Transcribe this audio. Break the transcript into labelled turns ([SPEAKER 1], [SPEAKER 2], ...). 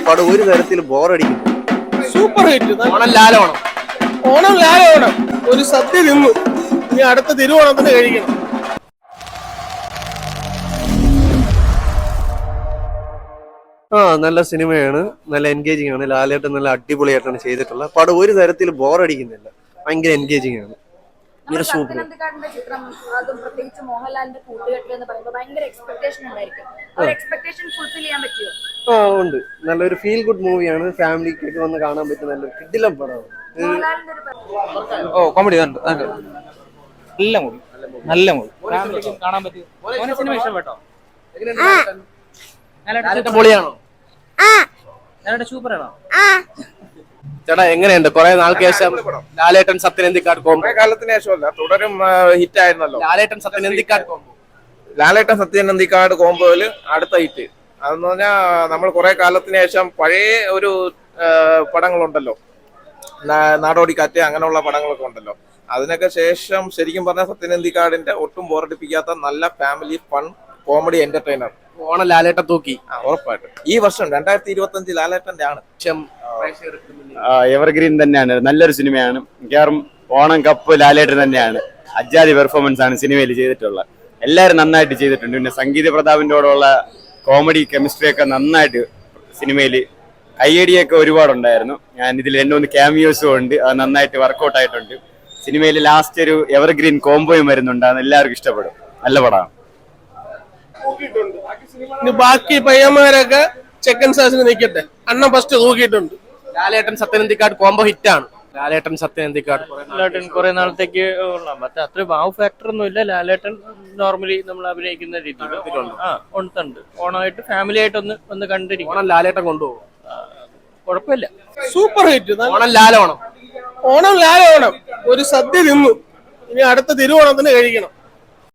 [SPEAKER 1] പടം ഒരു തരത്തിൽ ബോറടിക്കും.
[SPEAKER 2] Super hit.
[SPEAKER 1] ഓണം ലാലോണം.
[SPEAKER 2] ഓണം ലാലോണം. ഒരു സദ്യ തിന്നു, ഇനി അടുത്ത തിരുവോണത്തിന് കഴിക്കണം.
[SPEAKER 1] നല്ല സിനിമയാണ്, നല്ല എൻഗേജിങ് ആണ്. ലാലേട്ടൻ നല്ല അടിപൊളിയായിട്ടാണ് ചെയ്തിട്ടുള്ളത്. പടം ഒരു തരത്തിൽ ബോറടിക്കുന്നില്ല, ഭയങ്കര എൻഗേജിങ് ആണ്.
[SPEAKER 3] സത്യനന്ദിക്കാടിന്റെ ചിത്രം, അതും പ്രത്യേകിച്ച് മോഹൻലാലിന്റെ കൂട്ടുകെട്ട് എന്ന് പറയുമ്പോൾ ഭയങ്കര എക്സ്പെക്ടേഷൻ ഉണ്ടായിരിക്കും. എക്സ്പെക്ടേഷൻ ഫുൾഫിൽ ചെയ്യാൻ പറ്റിയോ?
[SPEAKER 1] ഉണ്ട്. നല്ലൊരു ഫീൽ ഗുഡ് മൂവിയാണ്, ഫാമിലിക്കൊക്കെ വന്ന് കാണാൻ പറ്റുന്ന നല്ലൊരു കിടിലം പടമാണ്.
[SPEAKER 4] കോമഡി നല്ല മൂവി, നല്ല മൂവി, ഫാമിലിക്കും കാണാൻ പറ്റും. സിനിമ ഇഷ്ടപ്പെട്ടോ?
[SPEAKER 1] പൊളിയാണോ?
[SPEAKER 4] സൂപ്പറാണോ?
[SPEAKER 1] ചേട്ടാ എങ്ങനെയുണ്ട്? കുറെ നാൾക്ക് ശേഷം ലാലേട്ടൻ സത്യനന്ദിക്കാട് കോംബോ.
[SPEAKER 5] കാലത്തിന് ശേഷമല്ല, തുടരും ഹിറ്റ് ആയിരുന്നല്ലോ
[SPEAKER 1] ലാലേട്ടൻ സത്യനന്ദിക്കാട് കോംബോ.
[SPEAKER 5] ലാലേട്ടൻ സത്യനന്ദിക്കാട് കോംബോയില് അടുത്ത ഹിറ്റ്. അതെന്ന് പറഞ്ഞാൽ നമ്മൾ കുറെ കാലത്തിന് ശേഷം പഴയ ഒരു പടങ്ങളുണ്ടല്ലോ, നാടോടിക്കാറ്റ്, അങ്ങനെയുള്ള പടങ്ങളൊക്കെ ഉണ്ടല്ലോ. അതിനൊക്കെ ശേഷം ശരിക്കും പറഞ്ഞാൽ സത്യനന്ദിക്കാടിന്റെ ഒട്ടും ബോറടിപ്പിക്കാത്ത നല്ല family fun comedy entertainer.
[SPEAKER 1] Onam Lalettan തൂക്കി
[SPEAKER 5] ഉറപ്പായിട്ടും. ഈ വർഷം 2025 ലാലേട്ടന്റെ ആണ്.
[SPEAKER 6] എവർഗ്രീൻ തന്നെയാണ്, നല്ലൊരു സിനിമയാണ്. മിക്കവാറും ഓണം കപ്പ് ലാലേട്ടൻ തന്നെയാണ്. അജാതി പെർഫോമൻസ് ആണ് സിനിമയിൽ ചെയ്തിട്ടുള്ളത്. എല്ലാവരും നന്നായിട്ട് ചെയ്തിട്ടുണ്ട്. പിന്നെ സംഗീത പ്രതാപിൻ്റെയോടുള്ള കോമഡി കെമിസ്ട്രി ഒക്കെ നന്നായിട്ട് സിനിമയിൽ കയ്യടിയൊക്കെ ഒരുപാടുണ്ടായിരുന്നു. ഞാൻ ഇതിൽ എൻ്റെ ഒന്ന് ക്യാമിയോസും ഉണ്ട്, അത് നന്നായിട്ട് വർക്കൗട്ട് ആയിട്ടുണ്ട്. സിനിമയിൽ ലാസ്റ്റ് ഒരു എവർഗ്രീൻ കോംബോയും വരുന്നുണ്ട്, അത് എല്ലാവർക്കും ഇഷ്ടപ്പെടും. നല്ല പടമാണ്.
[SPEAKER 2] ഇനി ബാക്കി പയ്യന്മാരൊക്കെ സെക്കൻഡ് സാസിന് നിൽക്കട്ടെ. അണ്ണൻ ഫസ്റ്റ് തൂക്കിയിട്ടുണ്ട്.
[SPEAKER 1] ലാലേട്ടൻ സത്യനന്ദിക്കാട് കോംബോ ഹിറ്റ് ആണ്. ലാലേട്ടൻ സത്യനന്ദിക്കാട്
[SPEAKER 7] ലാലേട്ടൻ കുറെ നാളത്തേക്ക് മറ്റേ അത്ര വാവ് ഫാക്ടർ ഒന്നും ഇല്ല. ലാലേട്ടൻ നോർമലി നമ്മൾ അഭിനയിക്കുന്ന രീതിയിൽ ഉണ്ട്. ഓണമായിട്ട് ഫാമിലി ആയിട്ട് ഒന്ന് കണ്ടിരിക്കും.
[SPEAKER 1] ഓണം ലാലേട്ടൻ കൊണ്ടുപോകും,
[SPEAKER 7] കുഴപ്പമില്ല.
[SPEAKER 2] Super hit.
[SPEAKER 1] ഓണം ലാലോണം.
[SPEAKER 2] ഓണം ലാലോണം. ഒരു സദ്യ തിന്നു, ഇനി അടുത്ത തിരുവോണത്തിന് കഴിക്കണം.